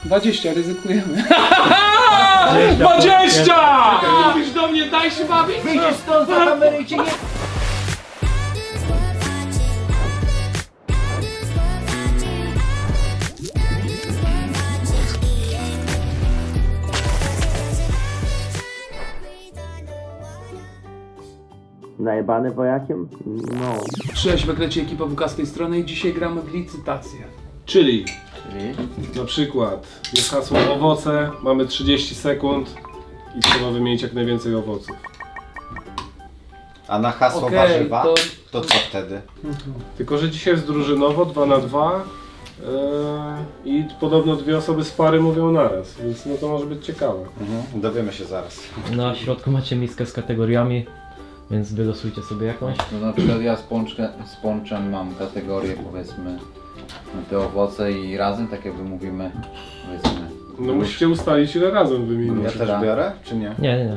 20, ryzykujemy. 20! Mówisz do mnie, daj się bawić? Wyjdziesz stąd za kamerę i cię nie... Najebany wojakiem? No. Cześć, wyklecie ekipa WK z tej strony i dzisiaj gramy w licytację. Czyli na przykład jest hasło owoce, mamy 30 sekund i trzeba wymienić jak najwięcej owoców. A na hasło Okej, warzywa, to- to co wtedy? Tylko że dzisiaj jest drużynowo 2 na 2 i podobno dwie osoby z pary mówią naraz, więc no to może być ciekawe. Dowiemy się zaraz. Na środku macie miskę z kategoriami, więc wylosujcie sobie jakąś. No na przykład ja z ponczem mam kategorię, powiedzmy, te owoce i razem, tak jakby mówimy, powiedzmy. No musicie ustalić ile razem wymienić. Ja też biorę, czy nie? Nie.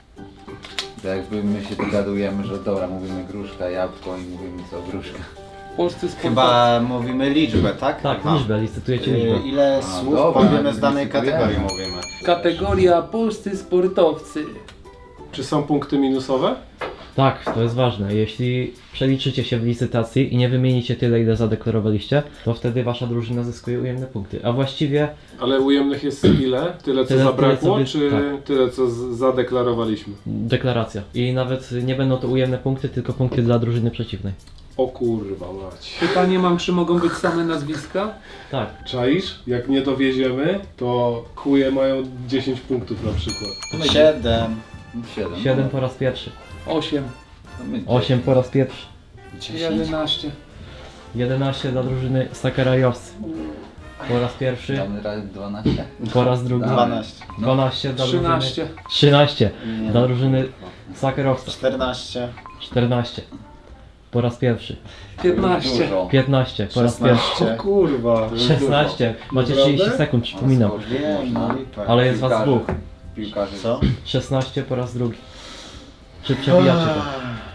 To jakby my się dogadujemy, że dobra, mówimy gruszka, jabłko i mówimy co, gruszka. Polscy sportowcy. Chyba mówimy liczbę, tak? Tak, Aha. liczbę, licytujecie liczbę. Ile A, słów dobra, powiemy z danej licytujemy. kategorii mówimy? Kategoria polscy sportowcy. Czy są punkty minusowe? Tak, to jest ważne. Jeśli przeliczycie się w licytacji i nie wymienicie tyle, ile zadeklarowaliście, to wtedy wasza drużyna zyskuje ujemne punkty. A właściwie Ale ujemnych jest ile? Tyle co Tyle, zabrakło, tyle, co czy tak. tyle co zadeklarowaliśmy? deklaracja. I nawet nie będą to ujemne punkty, tylko punkty dla drużyny przeciwnej. O kurwa mać. Pytanie mam, czy mogą być same nazwiska? Tak. Czaisz? Jak nie dowieziemy, to chuje mają 10 punktów na przykład. 7, 7. 7 po raz pierwszy. 8, 8 po raz pierwszy. 10. 11. 11 dla drużyny Sakarajowcy. Po raz pierwszy. Damy radę 12. Po raz drugi. 12, 12 dla drużyny. 13. 13 dla drużyny Sakerowca. 14, 14 po raz pierwszy. 15. Dużo. 15 po raz pierwszy. 16. Kurwa. 16. Macie 30 sekund, przypominam. Wiem, no lipa. Ale jest was Piłkarze. dwóch. Piłkarze. Co? 16 po raz drugi. Czy przebijacie to?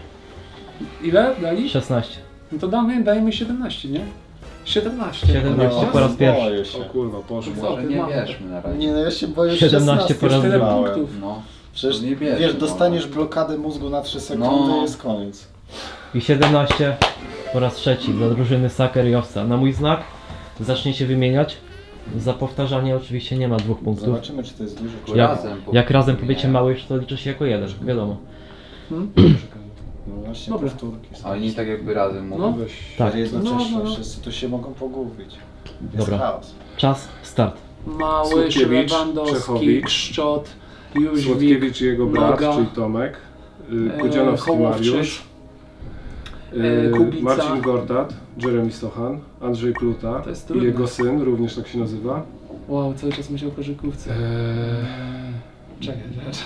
Ile dali? 16. No to dajmy 17, nie? 17. 17 po raz pierwszy. Boję O się. kurwa, poszło. Co Może ty nie masz? wierzmy na razie. Nie no, ja się boję 17 po raz Tyle drugi. punktów. No. Przecież Nie bierze, wiesz, no. dostaniesz blokadę mózgu na 3 sekundy No. i jest koniec. I 17 po raz trzeci dla drużyny Sakerowca. Na mój znak zaczniecie wymieniać. Za powtarzanie oczywiście nie ma 2 punktów. Zobaczymy, czy to jest dużo. Tylko Jak, razem jak razem wymieniają. powiecie mały, to liczy się jako jeden, wiadomo. No właśnie, Dobra. powtórki. są. A oni tak jakby razem mówią. No. Weź. Tak, Jednocześnie No. wszyscy tu się mogą pogubić. Jest Dobra. chaos. czas, start. Mały, Słodkiewicz, Lewandowski, Czechowicz, Kszczot, Jóźwik, Słodkiewicz i jego brat, Noga, czyli Tomek. Kudzianowski Hołowczyk, Mariusz. Kubica. Marcin Gortat, Jeremy Stochan, Andrzej Pluta To jest i trudne. jego syn, również tak się nazywa. Wow, cały czas myślał o koszykówce. Czekaj.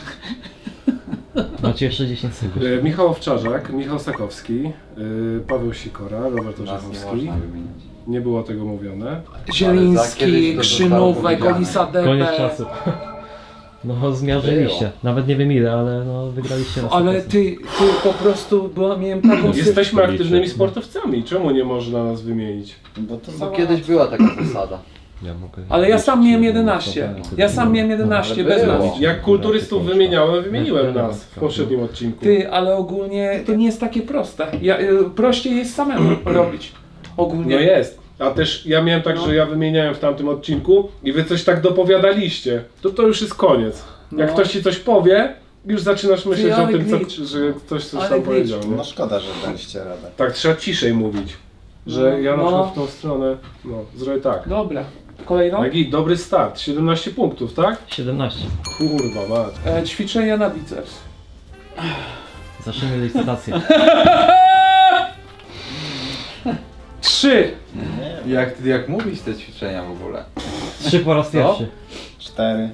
Macie jeszcze 10 sekund. Michał Owczarzak, Michał Sakowski, Paweł Sikora, Robert Nas nie Orzechowski. można wymienić. Nie było tego mówione. Zieliński, to Krzynówek, zostało powiedziane. Olisa Koniec Depe. czasu. No zmierzyliście. Nawet nie wiem ile, ale no wygraliście na 100%. Ale ty po prostu, bo miałem taką Jesteśmy aktywnymi sportowcami, czemu nie można nas wymienić? Bo to No kiedyś była taka zasada. Ale ja sam miałem 11. Ja sam miałem 11 Ale bez było. nas. Jak kulturystów wymieniłem nas w poprzednim odcinku. Ty, ale ogólnie to nie jest takie proste. Prościej jest samemu robić. Ogólnie. No jest. A też ja miałem tak, No. że ja wymieniałem w tamtym odcinku i wy coś tak dopowiadaliście. To już jest koniec. Jak No. ktoś ci coś powie, już zaczynasz myśleć o ale tym, glitch. że ktoś coś Ale tam glitch. powiedział. Nie? No szkoda, że daliście radę. Tak, trzeba ciszej mówić. Że ja na No. przykład w tą stronę, zrobię tak. Dobra. Kolejną? Taki dobry start, 17 punktów, tak? 17. Kurwa mać. Ćwiczenia na biceps. Zacznijmy licytację. 3. Jak mówić te ćwiczenia w ogóle? 3 po raz pierwszy. 4.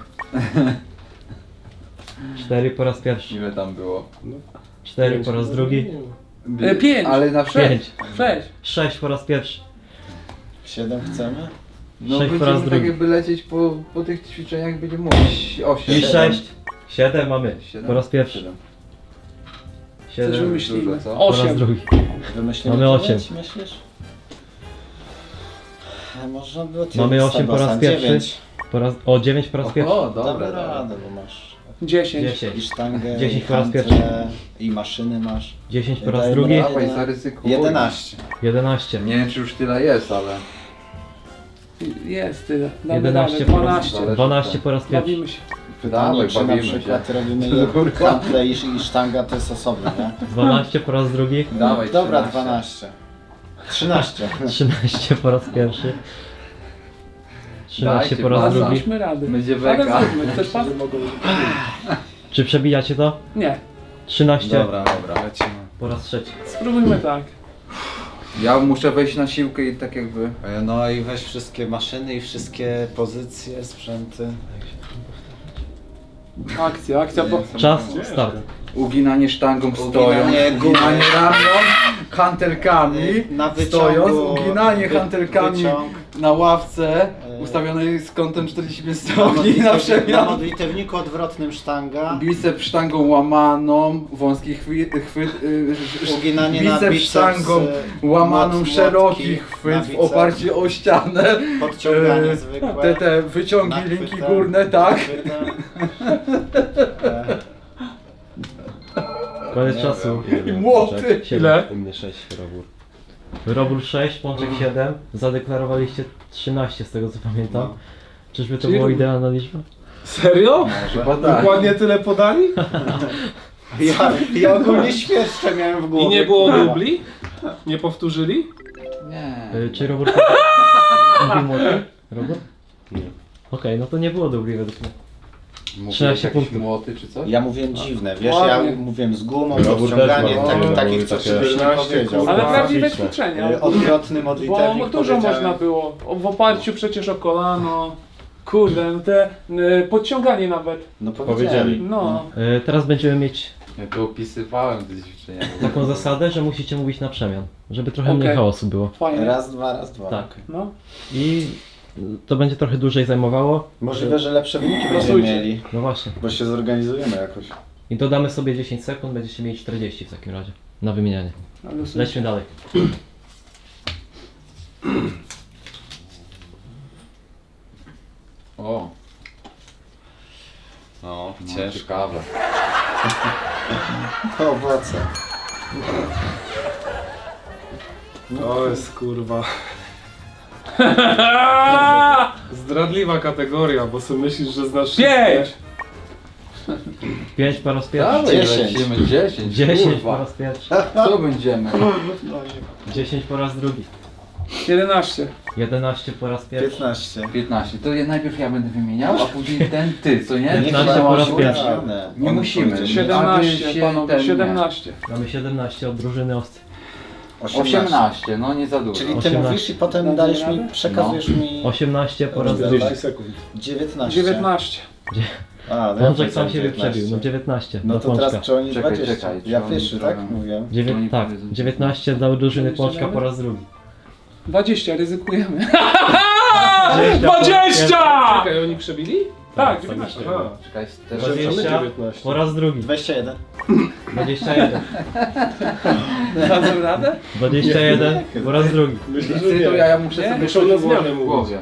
4 po raz pierwszy. Ile tam było? 4 po raz drugi. 5. Ale na przykład... 5. 6. 6 po raz pierwszy. 7 chcemy? No Sześć po raz będziemy tak drugi. jakby lecieć po tych ćwiczeniach, będziemy mówić 8. I 6. 7 mamy. Siedem. Po raz pierwszy. 7 Coś wymyślimy. dużo, co? po raz 8. drugi. Wymyślimy Mamy 9, 8. myślisz? Można było Mamy 8 po raz pierwszy. 9. O 9 po raz pierwszy. O, Dobra dobra, radę, bo masz 10. 10. i sztangę, 10 i po raz handlę, pierwszy. i maszyny masz. 10 po raz Dajemy drugi. radę. Dawaj, zaryzykuj. 11. 11. Nie wiem, czy już tyle jest, ale... Jest tyle. Damy 11 radę. po raz 12. 12 po raz pierwszy. Bawimy się. Pytanie, Dawaj, czy na bawimy się. przykład robimy handlę i sztanga to jest osobno, nie? 12 po raz drugi. Dawaj, Dobra, 13. 12. 13. 13 po raz pierwszy. 13 Dajcie, po raz baza. drugi. Daliśmy radę. Będzie Ale beka. zróbmy. Chcesz pan? Czy przebijacie to? Nie. 13 Dobra, lecimy. po raz trzeci. Spróbujmy tak. Ja muszę wejść na siłkę i tak jakby... No i weź wszystkie maszyny i wszystkie pozycje, sprzęty. Akcja, bo... Czas, start. Uginanie sztangą stojąc, Uginanie uginanie ramion, hantelkami, Na wyciągu, stojąc, uginanie hantelkami wyciąg. na ławce ustawionej z kątem 45 stopni na Na przemian. modlitewniku odwrotnym sztanga. Bicep sztangą łamaną, wąski chwyt, Uginanie na bicep biceps, sztangą łamaną, młotki szeroki na chwyt w bicep. oparciu o ścianę. Podciąganie zwykłe. Te wyciągi Nachwytem, linki górne, tak. nachwytem. Koniec czasu. I młoty. Ile? U mnie 6 robór. Robór 6, Pączek 7. Zadeklarowaliście 13 z tego co pamiętam. Czyżby to Czyli była równo. idealna liczba? Serio? Chyba tak. Dokładnie tyle podali? Ja ogólnie świerszcze miałem w głowie. I nie było kurwa. dubli? Nie powtórzyli? Nie. Czy robór mówił młoty? Robór? Nie. Okej, no to nie było dubli według mnie. Mówiłeś 13 jakieś punktów. młoty czy coś? Ja mówiłem dziwne, wiesz, Ładnie. ja mówiłem z gumą, Robór podciąganie, też ma, tak, robór takich co takie żebyś nie 14, powiedział. kurwa. Ale A, prawdziwe liczne. ćwiczenia. Odwrotny Bo modlitewnik dużo powiedziałem. można było. W oparciu przecież o kolano. Kurde, no te podciąganie nawet. No Powiedzieli. powiedzieli. No. Teraz będziemy mieć Ja to opisywałem te ćwiczenia. taką zasadę, że musicie mówić na przemian. Żeby trochę mniej Okej. chaosu było. Fajnie. Raz, dwa. Tak. No. I to będzie trochę dłużej zajmowało. Możliwe, że lepsze wyniki będziemy Losujcie. mieli, No właśnie. bo się zorganizujemy jakoś. I dodamy sobie 10 sekund, będziecie mieli 40 w takim razie. Na wymienianie. Ale Lećmy dalej. O, No, no, ciężko. ciekawe. To owoce. To jest kurwa zdradliwa kategoria, bo sobie myślisz, że znasz 5! 5 po raz pierwszy. Dawaj, 10. lecimy 10. 10 po kurwa. raz pierwszy. Co będziemy? 10 po raz drugi. 11. 11 po raz pierwszy. 15. 15. To najpierw ja będę wymieniał, a później ten ty, co nie? 15 po raz pierwszy. Nie musimy. powiedział. 17, Aby się panowie, ten nie. 17. Mamy 17 od drużyny owcy. 18, no nie za dużo. Czyli ty 18. mówisz i potem Dasz dajesz radę? mi, przekazujesz mi 18 po raz drugi. 40 sekund. 19. 19. A, no ja Pączek sam powiedziałem siebie 19. przebił. No 19 No do to Pączka. teraz czy oni Czekaj, 20? czekaj, Ja czy pierwszy, oni tak? powiem? Mówiłem. Tak, 19 dla drużyny Pączka po raz drugi. 20, ryzykujemy. 20! Czekaj, oni przebili? Tak, 19. Aha. Czekaj, też 20 19. po raz drugi. 21. 21. Dadzą radę? 21 po raz drugi. Myślę, że Ty, to nie. ja muszę Nie? sobie Muszą na coś zmianę ułożyć w mówić. głowie.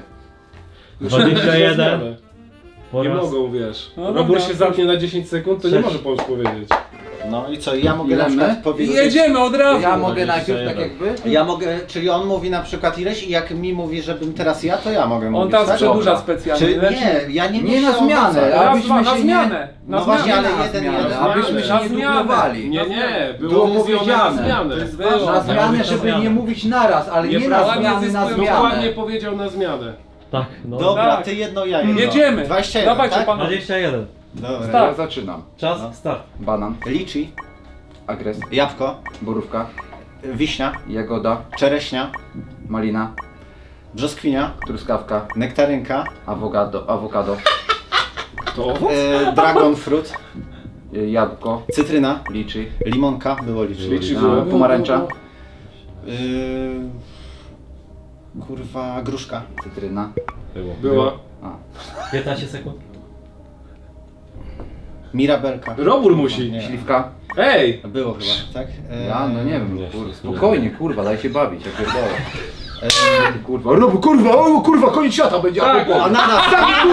21 po Nie raz... mogą, wiesz. No Robór dobra. się zamknie na 10 sekund, to nie 6. może Pącz powiedzieć. No i co, ja mogę Ile na przykład my? I powiedzieć... jedziemy od razu. Ja mogę 21. najpierw tak jakby? Ja mogę, czyli on mówi na przykład ileś i jak mi mówi, żebym teraz ja, to ja mogę On mówić, tam tak? przedłuża Dobra. specjalnie. Czy Lecimy. nie, ja nie Nie na myślę o zmianę, owocach. a- Raz, abyśmy dwa, na się zmianę. No Na właśnie, zmianę. ale Na jeden, zmianę, jeden. abyśmy Na się nie zmianę. dublowali. Nie, nie, Było było mówione na powiedziane. zmianę. To jest Na ważne. zmianę, na żeby zmianę. nie mówić naraz, ale nie na Nieprawda, zmianę, na zyskują zmianę. Dokładnie powiedział na zmianę. Tak, no. Dobra, Tak. ty jedno, ja jedno. Jedziemy. 21, Dawajcie, tak? panowie. 21. Dobra. Tak. Ja zaczynam. Czas, No. start. Banan, Liczy, agres, jabłko, borówka, wiśnia, jagoda, czereśnia, malina, brzoskwinia, truskawka, nektarynka, awokado, To owoc? dragon fruit, jabłko, cytryna, liczy, limonka, było liczy. Liczy a, było. pomarańcza, Kurwa, gruszka, cytryna. Była. 15 sekund. mirabelka. Robór musi. Nie. Śliwka. Ej! Było chyba, tak? Ja, no nie wiem, Nie, kurwa, nie. spokojnie, kurwa, daj się bawić, ja pierdolę. Kurwa, robu, kurwa, o kurwa, koniec świata będzie. Tak. A na nas,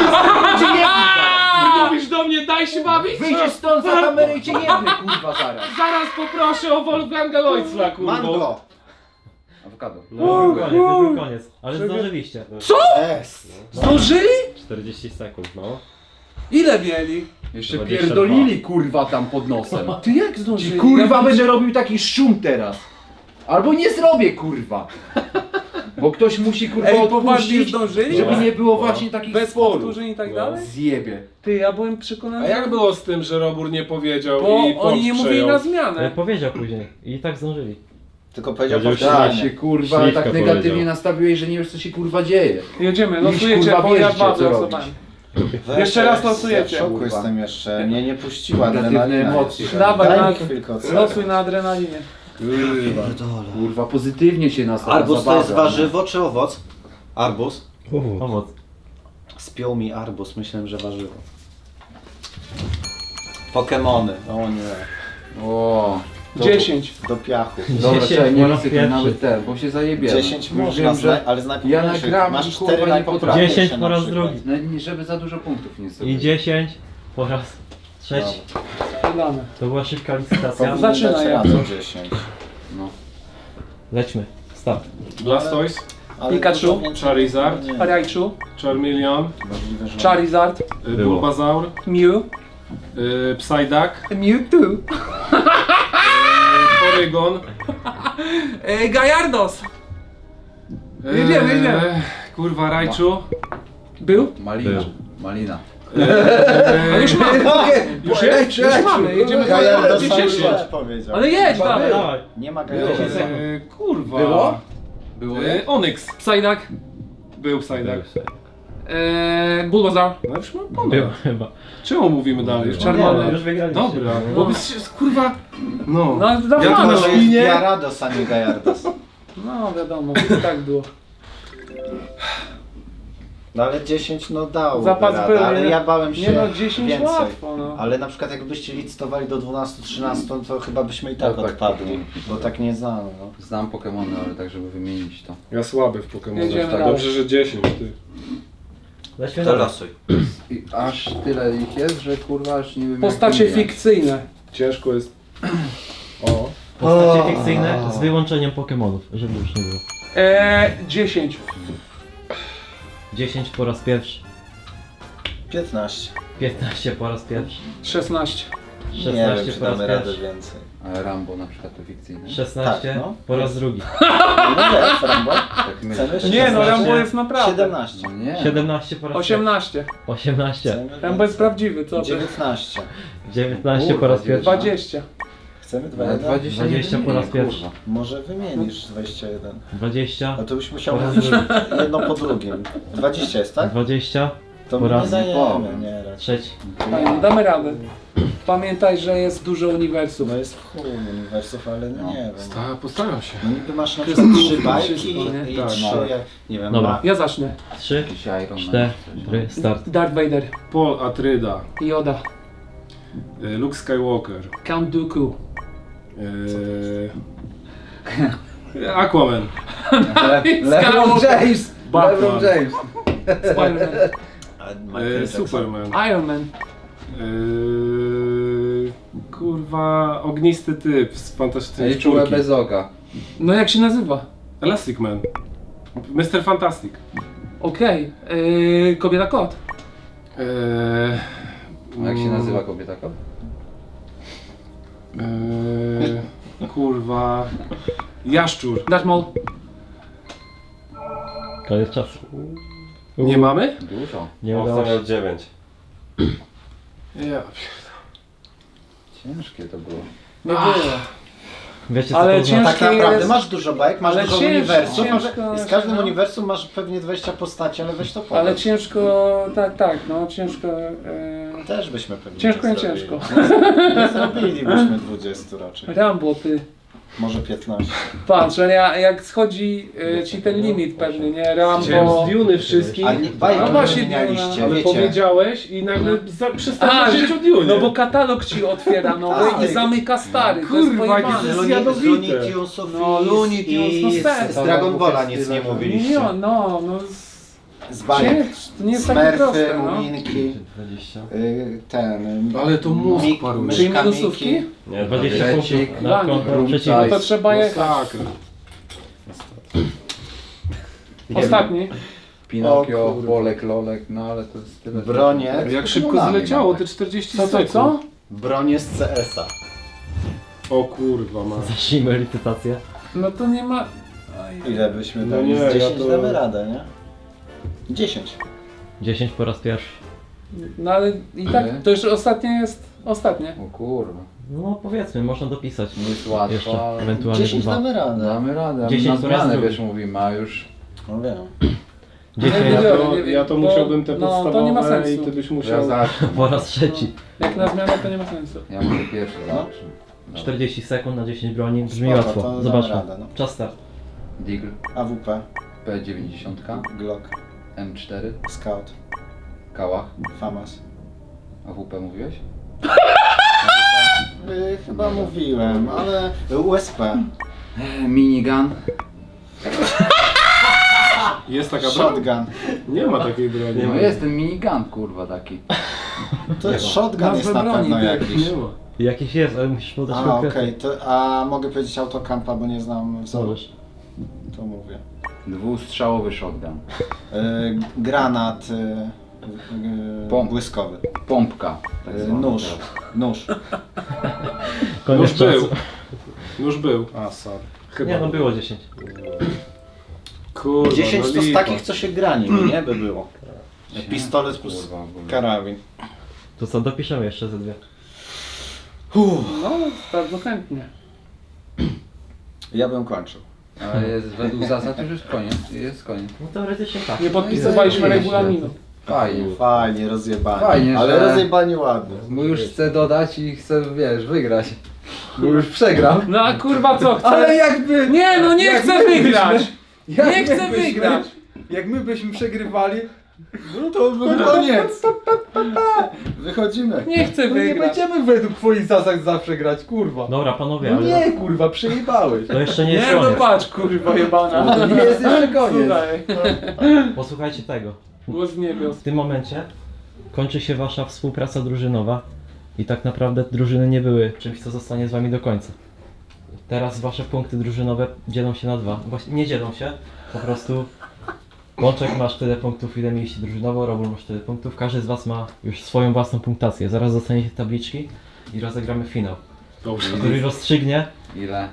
Mówisz do mnie, daj się bawić? wyjdziesz stąd za kamerę i cię jebnę, kurwa, zaraz. Zaraz poproszę o Wolfganga Lloydsla, kurwa. Mango! Awokado. No, już był koniec, ale zdążyliście. Jest! Zdążyli? 40 sekund, no. Ile mieli? Jeszcze 22. pierdolili, kurwa, tam pod nosem. Ty jak zdążyli? Kurwa, Ja będę robił taki szum teraz. Albo nie zrobię, kurwa. Bo ktoś musi, kurwa, Ej, poważnie odpuścić, zdążyli? żeby nie było właśnie takich Bez sporów. powtórzeń i tak dalej? Zjebie. Ty, ja byłem przekonany, A jak było z tym, że Robur nie powiedział bo i oni nie Pącz mówili na przejął? zmianę. Powiedział później i tak zdążyli. Tylko powiedział Powiedział Tak, powtórzenie. się kurwa Śliwka tak negatywnie powiedział. nastawiłeś, że nie wiesz co się kurwa dzieje. Jedziemy, Iść, losujecie, kurwa, bo ja wierzcie, dwa co losowałem. Weź, Jeszcze raz ja losujecie. W szoku jestem jeszcze. Mnie nie puściła Negatywne adrenalina. emocje. jeszcze. Dawaj, Daj na- mi chwilkę ocenię. Losuj na adrenalinie. Kurwa, pozytywnie się nastawił. Arbuz to jest warzywo czy owoc? Arbuz? Pomoc. Spiął mi arbuz, myślałem, że warzywo. Pokemony. O nie. O, 10. Do piachu. dobra, 10 czekaj, nie po raz chcę tu pierwszy. nawet ten, bo się zajebiłem. 10 Już można, wiem, że ale z ja najpoprawniejszych. nagram i, Masz kurwa, 4 nie najpoprawniejsze 10 po na raz przykład. drugi. no, nie, żeby za dużo punktów nie sobie. I 10 po raz trzeci. Dane. To była szybka licytacja. Powinien Zaczynaj, dać ja. raz o 10. No. Lećmy. Start. Blastoise, Ale Pikachu. dużo więcej- Charizard, Nie, Raichu, Charmeleon, możliwe, że... Charizard, Było. Bulbasaur, Mew, Psyduck, Mewtwo, Porygon. Gallardos. Jedziemy. Kurwa, Raichu. Był? Malina. Malina. A już mamy. Już jest? Już mamy, jedziemy Gallardo do sam 10. źle powiedział. Ale jedź, dawaj. Dawaj. Nie ma Było. Gallardo. Kurwa. Było? Było nie? Onyx. Psyduck, Był Psyduck. Bulbasaur, No już mam Był ponad. chyba. Czemu mówimy dalej? Już Charmander. Już wygraliście. Dobra, No. bo byś kurwa... No. No, Ja tu dawaj. na Może jest świnie... Gyarados, a nie Gallardos. No wiadomo, tak było. No ale 10 no dało Zapas radę, był, ale nie? ja bałem się Nie no, 10 więcej. łatwo, no. Ale na przykład jakbyście licytowali do 12-13, to chyba byśmy i tak Tak, odpadli, bo tak nie znamy. No. Znam Pokemony, ale tak żeby wymienić to. Ja słaby w Pokemonach. Jedziemy Tak, dalej. dobrze, że 10 ty. Lećmy dalej. I aż tyle ich jest, że kurwa aż nie wiem Postacie jak wymieniać. fikcyjne. Ciężko jest... O. Postacie fikcyjne z wyłączeniem Pokemonów, żeby już nie było. 10. 10 po raz pierwszy. 15. 15 po raz pierwszy. 16. Nie wiem, 16 czy po raz damy radę pierwszy. więcej. Ale Rambo na przykład to fikcyjne. 16 Tak, no. po raz drugi. No jest, Rambo. Tak myślę. Chcemy Nie no, 16? Rambo jest naprawdę. 17. No nie. 17 po raz 18. pierwszy. 18. Chcemy Rambo jest więcej. prawdziwy, co ty? 19. 19 po raz Kurwa, pierwszy. 20. Chcemy Ale 21? 20 20 po raz kurwa. pierwszy. Może wymienisz 21. 20 No to byś musiał po raz mówić drugi. jedno po drugim. 20 jest, tak? 20 To po my nie raz dajemy, nie raczej. trzeci. Fajnie, damy radę. Pamiętaj, że jest dużo uniwersów. No jest w chuj uniwersów, ale no nie wiem. Postaram się. No niby masz na przykład 3 bajki Wszystko, nie? i Tak, 3, no. nie wiem, Dobra. Ja zacznę. 3, Jakiś Iron Man. 4, start. Darth Vader, Paul Atreides, Yoda, Luke Skywalker, Count Dooku, Aquaman, LeBron James! Batman. LeBron James! Spider-Man, Superman, Iron Man, kurwa, ognisty typ z Fantastycznej Ej, czułe Czwórki. bez oka. no jak się nazywa? Elastic Man, Mr. Fantastic, Okej, Kobieta Kot, A jak się nazywa kobieta kot? kurwa, Jaszczur. Darth Maul, Koniec czasu. Nie mamy? Dużo. Nie udało się. 9. Ja. Ciężkie to było. nie było. Wiecie co Ale to znaczy? ciężkie Tak naprawdę jest- masz dużo bajek, masz ale dużo ciężko, uniwersów, ciężko i z każdym no. uniwersum masz pewnie 20 postaci, ale weź to powiedz. Ale ciężko, tak, no ciężko. Też byśmy pewnie Ciężko nie i zrobili. ciężko. Nie zrobilibyśmy 20 raczej. Rambo, ty. Może 15. Patrz, ale jak schodzi ci ten limit pewny, nie? Chciałem Rambo... z Duny wszystkich, Ale nie, bajki No nie właśnie, wymienialiście, ale wiecie. powiedziałeś i nagle przestałeś A, powiedzieć o Dunie. no bo katalog ci otwiera nowy Tak. i zamyka stary, to jest Kurwa, jakie pojebane. to jest Z jadowite. Looney Tunesów No, Looney Tunes, no i serio. z Dragon Balla nic nie Nie, mówiliście. no, Z bajek. to nie jest takie Smurfy, proste, no. Muminki, 20. ten... Ale to mózg Mik- paruje. Czyli myszka minusówki? Miki. Nie, 20 Trzecik, punktów na konto Room przeciwnika. No to trzeba jechać. Masakra. Ostatni. Pinokio, O kurwa. Bolek, Lolek, no ale to jest tyle. Bronie. Jak szybko Nami zleciało mam te tak. 40 Co, sekund. co? Bronie z CS-a. O kurwa, ma. Zacznijmy licytację. No to nie ma... Oj. Ile byśmy No dali? nie, Z 10 ja to- damy radę, nie? 10. 10 po raz pierwszy. No ale i tak, to już ostatnie jest ostatnie. O kurwa, No powiedzmy, można dopisać. nie jest łatwo, Jeszcze ale ewentualnie 10 dwa. damy radę. damy radę, a 10 na po raz zmianę drugi. wiesz mówimy, a już No wiem. 10 Nie, Ja to musiałbym te no, to podstawowe nie ma i sensu. ty byś ja musiał... zacznę. po raz trzeci. Jak na zmianę to nie ma sensu. Ja mogę pierwszy zacznę. Dobra. 40 sekund na 10 broni. Brzmi Spoko, łatwo. to damy Zobaczmy. radę, no. Czas start. Deagle, AWP, P90, Glock, M4, Scout, Kałach, FAMAS. AWP mówiłeś? Chyba mówiłem, ale USP, Minigun, Jest taka broń? shotgun. Nie ma takiej broni. no jest ten minigun kurwa taki. To jest shotgun Nazwę jest na broni, pewno tak, jakiś. Nie ma. Jakiś jest, ale musisz podać A konkretnie. okej, a mogę powiedzieć autokampa, bo nie znam wzoru. Możesz. To mówię. Dwustrzałowy shotgun. Granat Pomp. błyskowy. Pompka. Tak zwana Nóż. teraz. Nóż. Koniec Już był. czasu. Już był. A, sorry. Chyba. Nie no, było 10. Kurwa, 10 no to z lipa. takich, co się gra nimi, nie? By było. Pistolet plus Kurwa, w ogóle. karabin. To co, dopiszemy jeszcze ze dwie. No, bardzo chętnie. Ja bym kończył. Ale jest według zasad już jest koniec. Jest koniec. No teoretycznie tak. Nie podpisywaliśmy No i regulaminu. Fajnie. Fajnie, rozjebani. Fajnie, ale że- rozjebani ładnie. Bo już chcę dodać i chcę, wiesz, wygrać. Bo już przegrał. No a kurwa co chcesz? Ale jakby... Nie no, nie jak chcę my byśmy- wygrać! jak Nie my chcę byśmy- wygrać! Jak my byśmy przegrywali, No to koniec. Wychodzimy. Nie chcę no nie wygrać. będziemy według twoich zasad zawsze grać, kurwa. Dobra panowie, No ale nie, kurwa, przejebałeś. to jeszcze nie jest Nie no koniec. patrz kurwa jebana. To nie jest jeszcze koniec. Słuchaj, Posłuchajcie tego. głos z niebios. W tym momencie kończy się wasza współpraca drużynowa i tak naprawdę drużyny nie były czymś, co zostanie z wami do końca. Teraz wasze punkty drużynowe dzielą się na dwa. Właśnie nie dzielą się, po prostu Łączek masz tyle punktów, ile mieliście drużynowo, Robul masz tyle punktów, każdy z was ma już swoją własną punktację. Zaraz dostaniecie tabliczki i rozegramy finał, Dobrze. który rozstrzygnie Ile?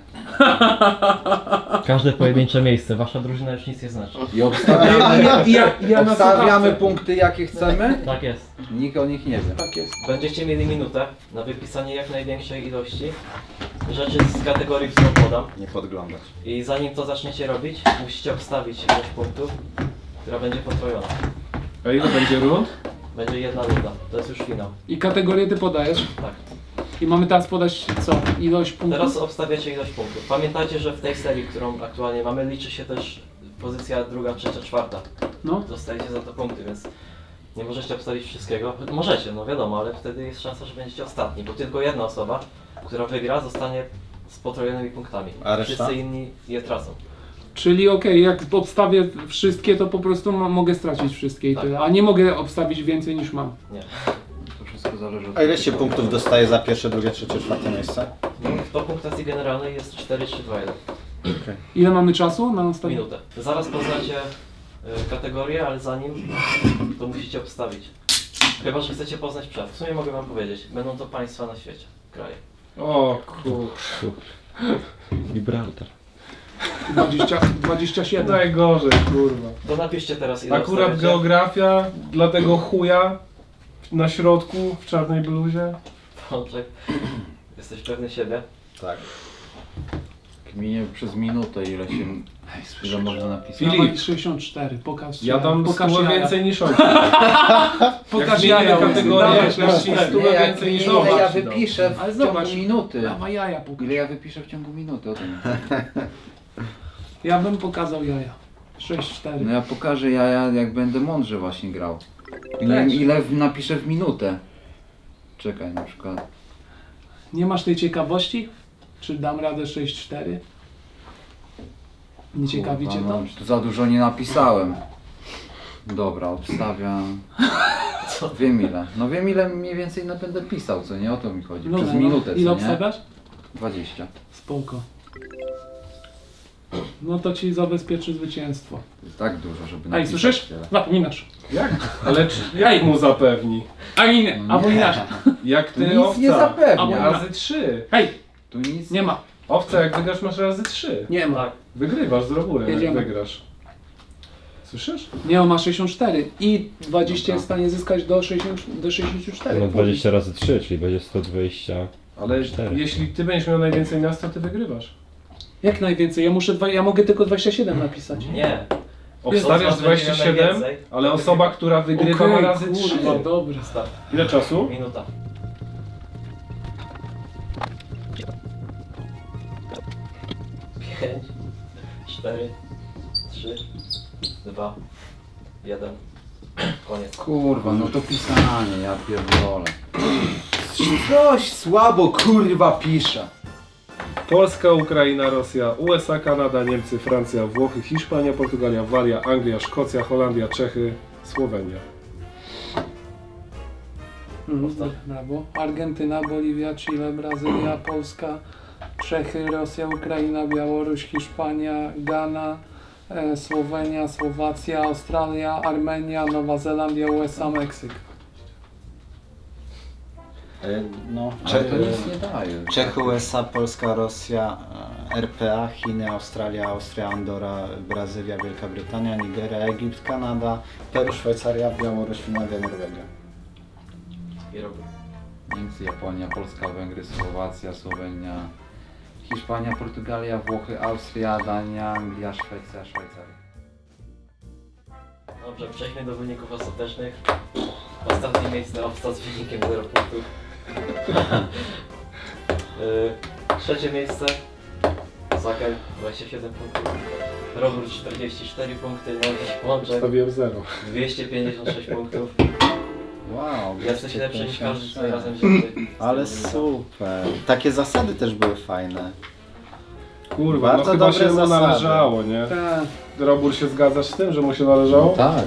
każde pojedyncze miejsce. Wasza drużyna już nic nie znaczy. I obstawiamy, Ja na obstawiamy słuchawce. punkty jakie chcemy. Tak jest. Nikt o nich nie wie. Tak jest. Będziecie mieli minutę na wypisanie jak największej ilości rzeczy z kategorii, którą podam. Nie podglądać. I zanim to zaczniecie robić, musicie obstawić ilość punktów, która będzie potrojona. A ile będzie rund? Będzie jedna runda. To jest już finał. I kategorię ty podajesz. Tak. I mamy teraz podać co? Ilość punktów? Teraz obstawiacie ilość punktów. Pamiętajcie, że w tej serii, którą aktualnie mamy, liczy się też pozycja druga, trzecia, czwarta. No. Dostajecie za to punkty, więc nie możecie obstawić wszystkiego. Możecie, no wiadomo, ale wtedy jest szansa, że będziecie ostatni, bo tylko jedna osoba, która wygra, zostanie z potrojonymi punktami. A reszta? Wszyscy inni je tracą. Czyli okej, jak obstawię wszystkie, to po prostu mogę stracić wszystkie i Tak. tyle. A nie mogę obstawić więcej niż mam. Nie. To wszystko zależy od... A ile się punktów dostaje za pierwsze, drugie, trzecie, czwarte miejsce? No, do punktacji generalnej jest 4, 3, 2, 1. Ile mamy czasu na ostatnią? Minutę. Zaraz poznacie kategorię, ale zanim to musicie obstawić. Chyba, że chcecie poznać przed. W sumie mogę wam powiedzieć. Będą to państwa na świecie. Kraje. O kur... Gibraltar. 27. Najgorzej, kurwa. To napiszcie teraz ile Akurat obstawiacie. geografia dla tego chuja na środku w czarnej bluzie. Pączek. Jesteś pewny siebie? Tak. Kminie przez minutę ile można napisać. Filip. Dawaj 64, pokaż Ja dam pokaż 100 jaja. więcej niż on. Pokaż Jak jaja, zmienimy kategorię, dawaj, jak dasz ci 100 Nie, jak więcej niż ile on. ja wypiszę Ale w zobacz. ciągu minuty. Dawaj jaja pokaż. Ile ja wypiszę w ciągu minuty, o tym. Ja bym pokazał jaja. 6-4. No ja pokażę jak będę mądrze właśnie grał. Weź. Ile napiszę w minutę. Czekaj, na przykład. Nie masz tej ciekawości? Czy dam radę 6-4? Nie ciekawi cię Kurwa, to? no, tu za dużo nie napisałem. Dobra, obstawiam. Wiem ile. No wiem ile mniej więcej będę pisał, co nie? O to mi chodzi. No, Przez no, minutę, ile co nie? obstawiasz? 20. Spoko. No to ci zabezpieczy zwycięstwo. To jest tak dużo, żeby Ej, napisać słyszysz? tyle. Zapominasz. Jak? Ale jak mu zapewni? A nie, albo inaczej. Jak Tu ty nic nie owca? zapewnia. Razy 3. Hej, Tu nic nie ma. Owca, jak wygrasz, masz razy 3. Nie ma. Tak. Wygrywasz z Roburem, jak Jedziemy. wygrasz. Słyszysz? Nie, on ma 64 i 20 jest w stanie zyskać do 64. No 20 razy 3, czyli będzie 120. Ale 4. jeśli ty będziesz miał najwięcej miast, to ty wygrywasz. Jak najwięcej? Ja mogę tylko 27 napisać. Nie. Obstawiasz Jezu, będzie 27, najwięcej. ale osoba, która wygrywa ma Okej, razy 3. kurwa, dobra. Start. Ile czasu? Minuta. 5, 4, 3, 2, 1. Koniec. Kurwa, no to pisanie, ja pierdolę. Coś słabo kurwa pisze. Polska, Ukraina, Rosja, USA, Kanada, Niemcy, Francja, Włochy, Hiszpania, Portugalia, Walia, Anglia, Szkocja, Holandia, Czechy, Słowenia. Brawo. Argentyna, Boliwia, Chile, Brazylia, Polska, Czechy, Rosja, Ukraina, Białoruś, Hiszpania, Ghana, Słowenia, Słowacja, Australia, Armenia, Nowa Zelandia, USA, Meksyk. No, Ale to nic nie daje. Czechy, USA, Polska, Rosja, RPA, Chiny, Australia, Austria, Andora, Brazylia, Wielka Brytania, Nigeria, Egipt, Kanada, Peru, Szwajcaria, Białoruś, Finlandia, Norwegia. I robię. Niemcy, Japonia, Polska, Węgry, Słowacja, Słowenia, Hiszpania, Portugalia, Włochy, Austria, Dania, Anglia, Szwecja, Szwajcaria. Dobrze, przejdźmy do wyników ostatecznych. Ostatnie miejsce obsta z wynikiem 0 punktów. Trzecie miejsce Zaker 27 punktów. Robert 44 punkty, Nowi Łączek Stawiłem 0. 256 punktów. Wow, Jesteś lepszy niż każdy co 256. razem wzięty. Ale super. Takie zasady też były fajne. Kurwa, Bardzo no chyba dobre się mu zasady. należało, nie? Tak. Robur, się zgadzasz z tym, że mu się należało? Tak,